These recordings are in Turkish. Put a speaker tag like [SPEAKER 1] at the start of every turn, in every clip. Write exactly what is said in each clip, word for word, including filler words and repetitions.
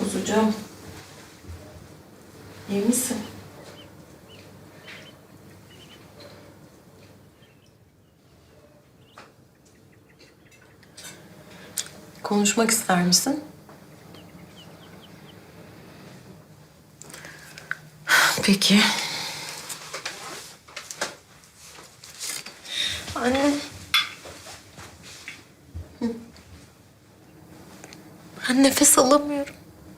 [SPEAKER 1] Kuzucuğum. İyi misin? Konuşmak ister misin? Peki. Anne. Ben nefes alamıyorum.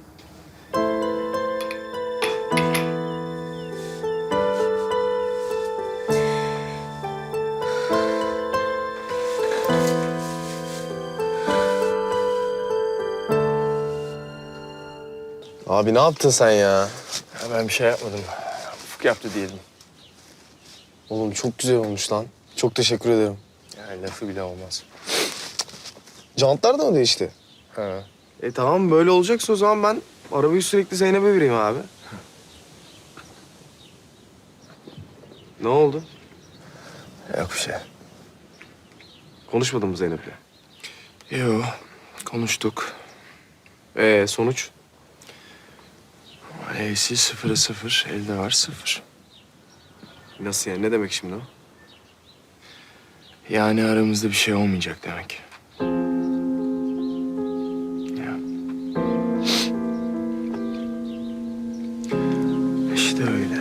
[SPEAKER 2] Abi ne yaptın sen ya?
[SPEAKER 3] Ya ben bir şey yapmadım. Ufuk yaptı diyelim.
[SPEAKER 2] Oğlum çok güzel olmuş lan. Çok teşekkür ederim.
[SPEAKER 3] Yani lafı bile olmaz.
[SPEAKER 2] Jantlar da mı değişti?
[SPEAKER 3] Ha.
[SPEAKER 2] E tamam böyle olacaksa o zaman ben arabayı sürekli Zeynep'e vereyim abi. Ne oldu?
[SPEAKER 3] Yok bir şey.
[SPEAKER 2] Konuşmadın mı Zeynep'le?
[SPEAKER 3] Yo, konuştuk.
[SPEAKER 2] Ee sonuç?
[SPEAKER 3] E'si sıfıra sıfır, elde var sıfır.
[SPEAKER 2] Nasıl yani? Ne demek şimdi o?
[SPEAKER 3] Yani aramızda bir şey olmayacak demek. Ya. İşte öyle.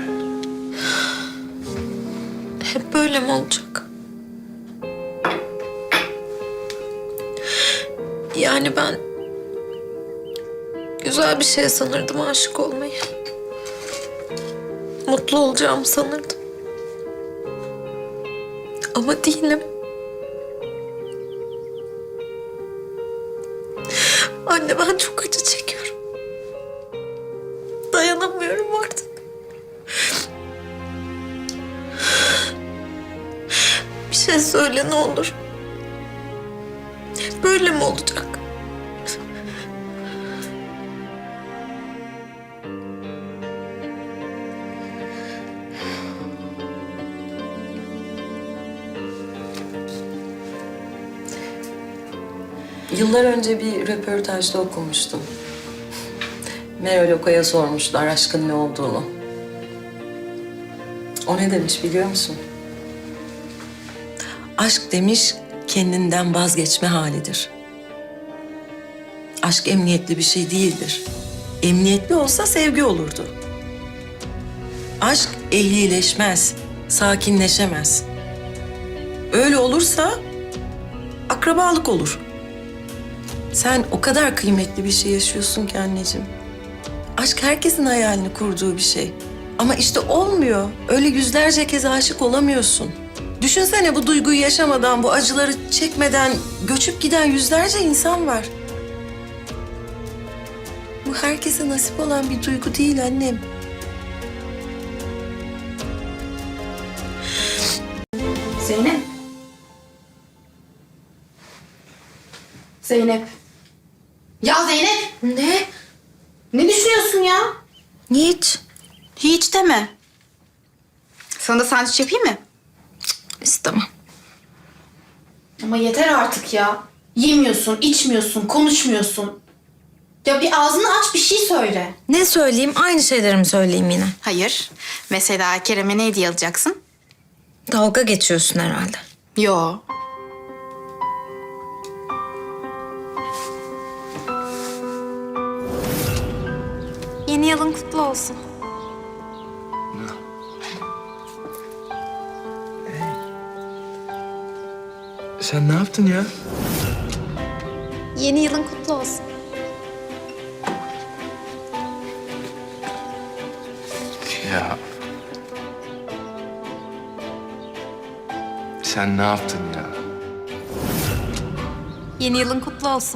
[SPEAKER 1] Hep böyle mi olacak? Yani ben güzel bir şey sanırdım aşık olmayı. Mutlu olacağımı sanırdım. Ama değilim. Anne ben çok acı çekiyorum. Dayanamıyorum artık. Bir şey söyle ne olur. Böyle mi olacak? Yıllar önce bir röportajda okumuştum. Meral Oka'ya sormuşlar aşkın ne olduğunu. O ne demiş biliyor musun? Aşk demiş kendinden vazgeçme halidir. Aşk emniyetli bir şey değildir. Emniyetli olsa sevgi olurdu. Aşk ehlileşmez, sakinleşemez. Öyle olursa akrabalık olur. Sen o kadar kıymetli bir şey yaşıyorsun ki anneciğim. Aşk herkesin hayalini kurduğu bir şey. Ama işte olmuyor. Öyle yüzlerce kez aşık olamıyorsun. Düşünsene bu duyguyu yaşamadan, bu acıları çekmeden göçüp giden yüzlerce insan var. Bu herkese nasip olan bir duygu değil annem.
[SPEAKER 4] Zeynep. Zeynep. Ya Zeynep.
[SPEAKER 1] Ne?
[SPEAKER 4] Ne düşünüyorsun ya?
[SPEAKER 1] Hiç.
[SPEAKER 4] Hiç deme. Sana da sandviç yapayım mı?
[SPEAKER 1] İstemem.
[SPEAKER 4] Ama yeter artık ya. Yemiyorsun, içmiyorsun, konuşmuyorsun. Ya bir ağzını aç bir şey söyle.
[SPEAKER 5] Ne söyleyeyim? Aynı şeyleri mi söyleyeyim yine?
[SPEAKER 4] Hayır. Mesela Kerem'e ne hediye alacaksın?
[SPEAKER 5] Dalga geçiyorsun herhalde.
[SPEAKER 4] Yo. Yeni yılın kutlu olsun.
[SPEAKER 3] Sen ne yaptın ya?
[SPEAKER 4] Yeni yılın kutlu olsun.
[SPEAKER 3] Ya. Sen ne yaptın ya?
[SPEAKER 4] Yeni yılın kutlu olsun.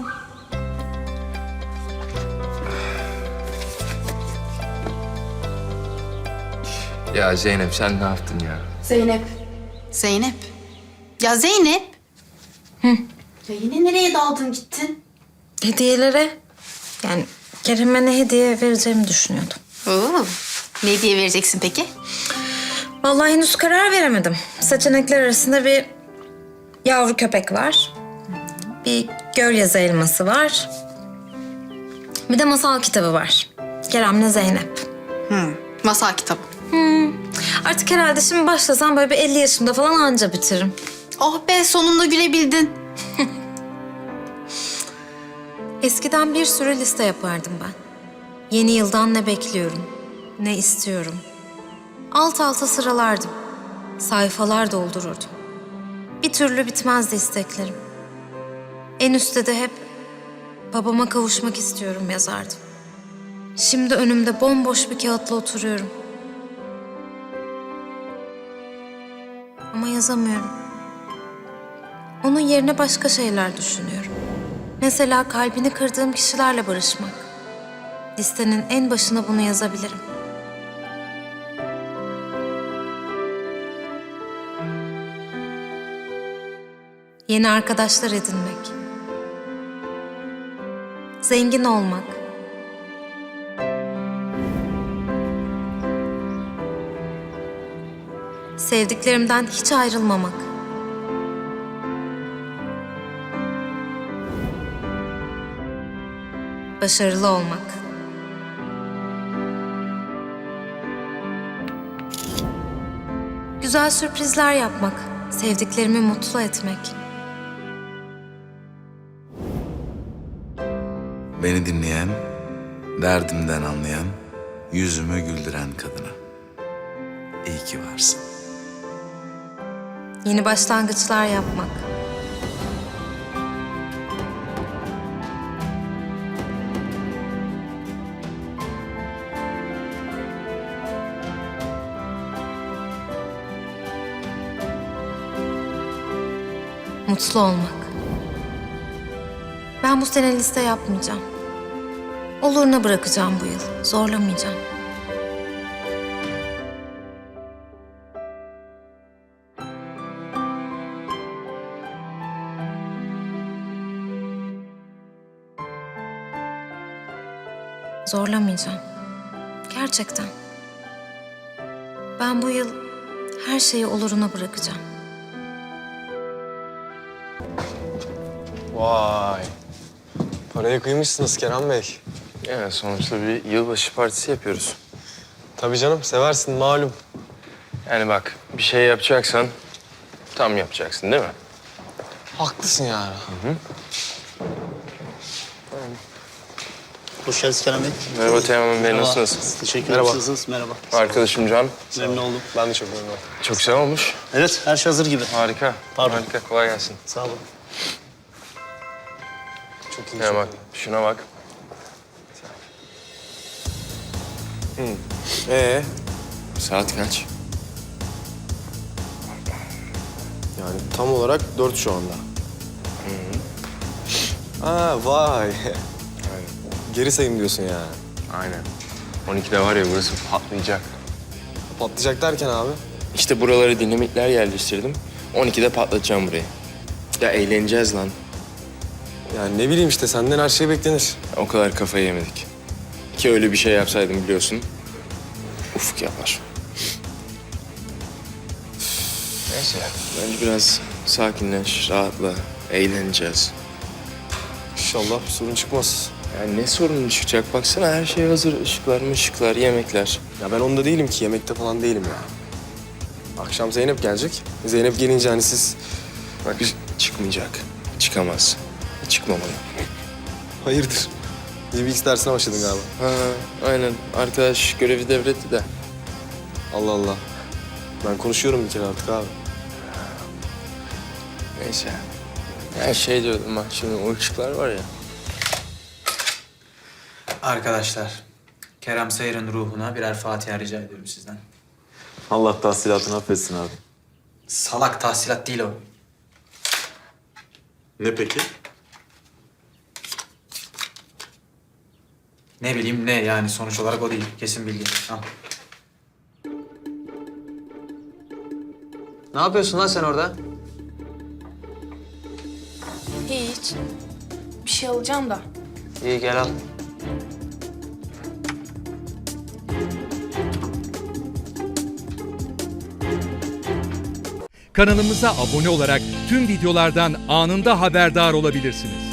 [SPEAKER 3] Ya Zeynep sen ne yaptın ya?
[SPEAKER 4] Zeynep. Zeynep. Ya Zeynep. Hı. Ya yine nereye daldın gittin?
[SPEAKER 5] Hediyelere, yani Kerem'e ne hediye vereceğimi düşünüyordum.
[SPEAKER 4] Oo. Ne hediye vereceksin peki?
[SPEAKER 5] Vallahi henüz karar veremedim. Seçenekler arasında bir yavru köpek var. Bir gölyazı elması var. Bir de masal kitabı var. Kerem'le Zeynep.
[SPEAKER 4] Masal kitabı.
[SPEAKER 5] Artık herhalde şimdi başlasam böyle bir elli yaşımda falan anca bitiririm.
[SPEAKER 4] Oh be, sonunda gülebildin.
[SPEAKER 5] Eskiden bir sürü liste yapardım ben. Yeni yıldan ne bekliyorum, ne istiyorum. Alt alta sıralardım. Sayfalar doldururdum. Bir türlü bitmezdi isteklerim. En üstte de hep babama kavuşmak istiyorum yazardım. Şimdi önümde bomboş bir kağıtla oturuyorum. Ama yazamıyorum. Onun yerine başka şeyler düşünüyorum. Mesela kalbini kırdığım kişilerle barışmak. Listenin en başına bunu yazabilirim. Yeni arkadaşlar edinmek. Zengin olmak. Sevdiklerimden hiç ayrılmamak. Başarılı olmak. Güzel sürprizler yapmak. Sevdiklerimi mutlu etmek.
[SPEAKER 6] Beni dinleyen, derdimden anlayan, yüzümü güldüren kadına. İyi ki varsın.
[SPEAKER 5] Yeni başlangıçlar yapmak. Mutlu olmak. Ben bu sene liste yapmayacağım. Oluruna bırakacağım bu yıl. Zorlamayacağım. Zorlamayacağım. Gerçekten. Ben bu yıl her şeyi oluruna bırakacağım.
[SPEAKER 2] Vay. Paraya kıymışsınız Kerem Bey.
[SPEAKER 3] Ya sonuçta bir yılbaşı partisi yapıyoruz.
[SPEAKER 2] Tabii canım, seversin malum.
[SPEAKER 3] Yani bak bir şey yapacaksan tam yapacaksın değil mi?
[SPEAKER 2] Haklısın yani.
[SPEAKER 7] Hoş geldiniz Kerem Bey.
[SPEAKER 3] Merhaba Teğmen Bey,
[SPEAKER 7] Merhaba.
[SPEAKER 3] nasılsınız?
[SPEAKER 7] Teşekkür
[SPEAKER 2] Merhaba.
[SPEAKER 7] ederim. Nasılsınız? Merhaba.
[SPEAKER 3] Arkadaşım Can.
[SPEAKER 7] Memnun oldum.
[SPEAKER 2] Ben de çok memnun oldum.
[SPEAKER 3] Çok güzel olmuş.
[SPEAKER 7] Evet, her şey hazır gibi.
[SPEAKER 3] Harika.
[SPEAKER 7] Pardon.
[SPEAKER 3] Harika, kolay gelsin.
[SPEAKER 7] Sağ olun.
[SPEAKER 2] Çok iyi.
[SPEAKER 3] Ya
[SPEAKER 2] çok
[SPEAKER 3] bak, şuna bak.
[SPEAKER 2] iyi. Ee,
[SPEAKER 3] Saat kaç?
[SPEAKER 2] yani tam olarak dört şu anda. Aa vay. Geri sayım diyorsun yani.
[SPEAKER 3] Aynen. on ikide var ya burası patlayacak.
[SPEAKER 2] Patlayacak derken abi.
[SPEAKER 3] İşte buralara dinamitler yerleştirdim. on ikide patlatacağım burayı. Ya eğleneceğiz lan.
[SPEAKER 2] Yani ne bileyim işte senden her şey beklenir.
[SPEAKER 3] O kadar kafayı yemedik. Ki öyle bir şey yapsaydım biliyorsun. Ufuk yapar. Neyse. Bence biraz sakinleş, rahatla. Eğleneceğiz.
[SPEAKER 2] İnşallah bir sorun çıkmaz.
[SPEAKER 3] Yani ne sorun çıkacak? Baksana her şey hazır. Işıklar mışıklar, yemekler.
[SPEAKER 2] Ya ben onda değilim ki, yemekte falan değilim ya. Akşam Zeynep gelecek. Zeynep gelince hani siz...
[SPEAKER 3] Bak çıkmayacak. Çıkamaz. Çıkmamalı.
[SPEAKER 2] Hayırdır? D B X dersine başladın galiba.
[SPEAKER 3] Ha, aynen. Arkadaş görevi devretti de.
[SPEAKER 2] Allah Allah. Ben konuşuyorum bir kere artık abi.
[SPEAKER 3] Neyse. Her şey diyordum bak şimdi o ışıklar var ya.
[SPEAKER 8] Arkadaşlar, Kerem Sayır'ın ruhuna birer Fatiha rica ediyorum sizden.
[SPEAKER 9] Allah tahsilatını affetsin abi.
[SPEAKER 8] Salak tahsilat değil o.
[SPEAKER 9] Ne peki?
[SPEAKER 8] Ne bileyim ne yani sonuç olarak o değil. Kesin bilgi. Al.
[SPEAKER 7] Ne yapıyorsun lan sen orada?
[SPEAKER 4] Hiç. Bir şey alacağım da.
[SPEAKER 7] İyi gel al.
[SPEAKER 10] Kanalımıza abone olarak tüm videolardan anında haberdar olabilirsiniz.